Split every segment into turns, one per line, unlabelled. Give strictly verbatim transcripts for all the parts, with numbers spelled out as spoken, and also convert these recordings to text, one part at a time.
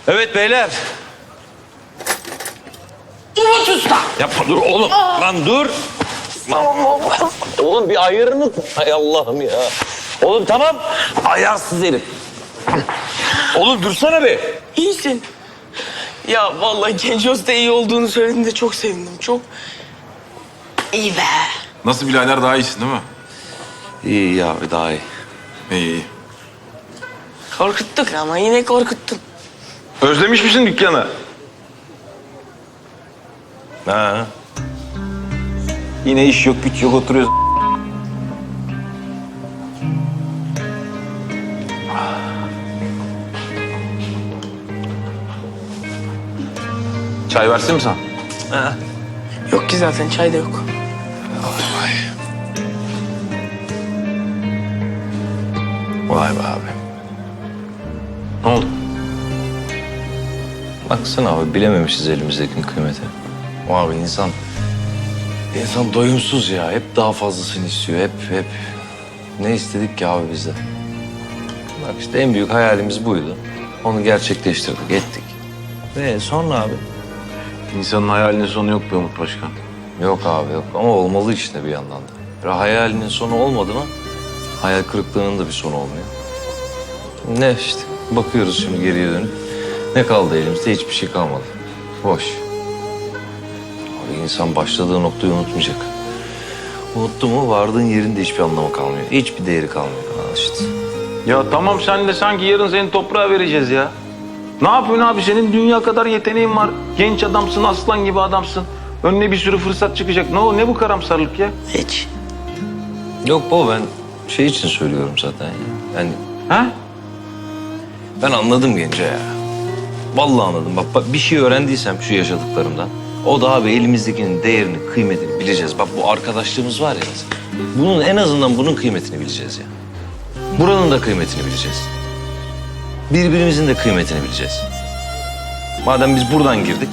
Evet beyler.
Umut Usta.
Yapma dur oğlum. Lan dur. Oğlum bir ayarını... Hay Allah'ım ya. Oğlum tamam. Ayarsız herif. Oğlum dursana bir.
İyisin. Ya vallahi Genco Usta iyi olduğunu söylediğinde çok sevindim. Çok iyi be.
Nasıl birader, daha iyisin değil mi?
İyi iyi abi daha iyi.
İyi iyi.
Korkuttuk ama yine korkuttun.
Özlemiş misin dükkanı?
Ha. Yine iş yok güç yok oturuyoruz.
Çay versin mi sen?
Ha. Yok ki zaten çay da yok.
Vay be abi.
Ne oldu?
Baksana abi bilememişiz elimizdekinin kıymeti. O abi insan... insan doyumsuz ya. Hep daha fazlasını istiyor. Hep hep. Ne istedik ki abi biz de? Bak işte en büyük hayalimiz buydu. Onu gerçekleştirdik, ettik. Ve sonra abi?
İnsanın hayalinin sonu yok be Umut Başkan.
Yok abi yok ama olmalı işte bir yandan da. Böyle hayalinin sonu olmadı mı hayal kırıklığının da bir sonu olmuyor. Ne işte bakıyoruz şimdi geriye dönüp ne kaldı elimizde? Hiçbir şey kalmadı. Boş. Abi insan başladığı noktayı unutmayacak. Unuttu mu vardığın yerinde hiçbir anlamı kalmıyor. Hiçbir değeri kalmıyor. Ha işte.
Ya tamam, sen de sanki yarın seni toprağa vereceğiz ya. Ne yapıyorsun abi? Senin dünya kadar yeteneğin var. Genç adamsın, aslan gibi adamsın. Önüne bir sürü fırsat çıkacak. Ne o? Ne bu karamsarlık ya?
Hiç.
Yok baba ben şey için söylüyorum zaten ya. Yani
Ha?
ben anladım Genco ya. Vallahi anladım. Bak, bak bir şey öğrendiysem şu yaşadıklarımdan. O da abi elimizdekinin değerini, kıymetini bileceğiz. Bak bu arkadaşlığımız var ya mesela. Bunun en azından bunun kıymetini bileceğiz ya. Buranın da kıymetini bileceğiz. Birbirimizin de kıymetini bileceğiz. Madem biz buradan girdik.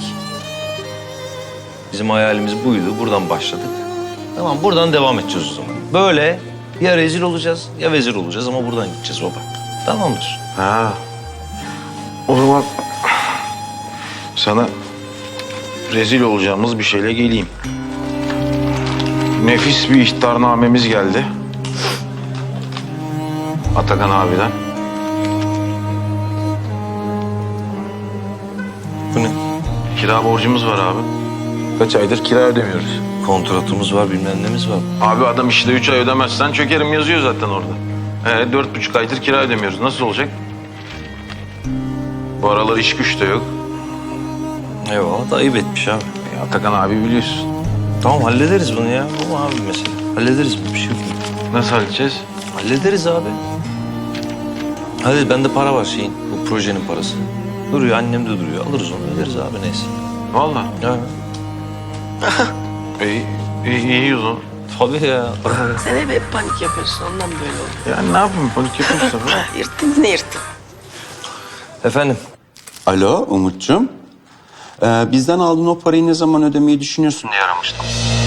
Bizim hayalimiz buydu. Buradan başladık. Tamam buradan devam edeceğiz o zaman. Böyle ya rezil olacağız ya vezir olacağız ama buradan gideceğiz baba. Tamamdır.
Ha. O zaman sana rezil olacağımız bir şeyle geleyim. Nefis bir ihtarnamemiz geldi. Atakan abiden.
Bu ne?
Kira borcumuz var abi. Kaç aydır kira ödemiyoruz.
Kontratımız var bilmem nemiz var.
Abi adam işte üç ay ödemezsen çökerim yazıyor zaten orada. Ee, dört buçuk aydır kira ödemiyoruz. Nasıl olacak? Bu aralar iş güç de yok.
Eyvallah da ayıp etmiş abi.
E, Atakan abi biliyorsun.
Tamam hallederiz bunu ya. Bu abi mesela. Hallederiz bir şey yok.
Nasıl halledeceğiz?
Hallederiz abi. Hadi bende para var şeyin. Bu projenin parası. Duruyor annem de duruyor. Alırız onu öderiz abi neyse.
Vallahi.
Ya.
İyi, iyi, iyi o zaman.
Tabii ya.
Sen hep, hep panik yapıyorsun ondan böyle oldu.
Yani ne yapayım? Panik yapıyorsa falan.
Ha, yırttın yine yırttın.
Efendim.
Alo Umut'cum. Ee, bizden aldığın o parayı ne zaman ödemeyi düşünüyorsun diye aramıştım.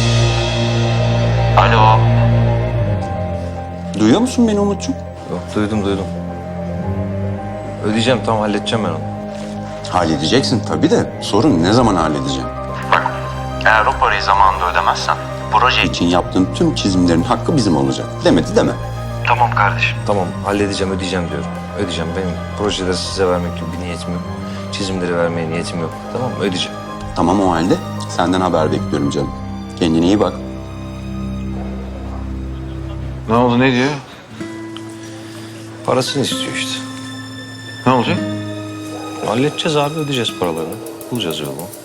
Alo.
Duyuyor musun beni Umut'cum?
Yok duydum duydum. Ödeyeceğim tamam halledeceğim ben onu.
Halledeceksin tabii de sorun ne zaman halledeceğim?
Eğer o parayı zamanında ödemezsen proje...
İçin yaptığım tüm çizimlerin hakkı bizim olacak. Demedi deme.
Tamam kardeşim.
Tamam halledeceğim ödeyeceğim diyorum. Ödeyeceğim benim projeleri size vermek gibi bir niyetim yok. Çizimleri vermeye niyetim yok. Tamam mı ödeyeceğim.
Tamam o halde senden haber bekliyorum canım. Kendine iyi bak.
Ne oldu, ne diyor?
Parasını istiyor işte.
Ne olacak?
Halledeceğiz abi ödeyeceğiz paralarını. Bulacağız yolunu.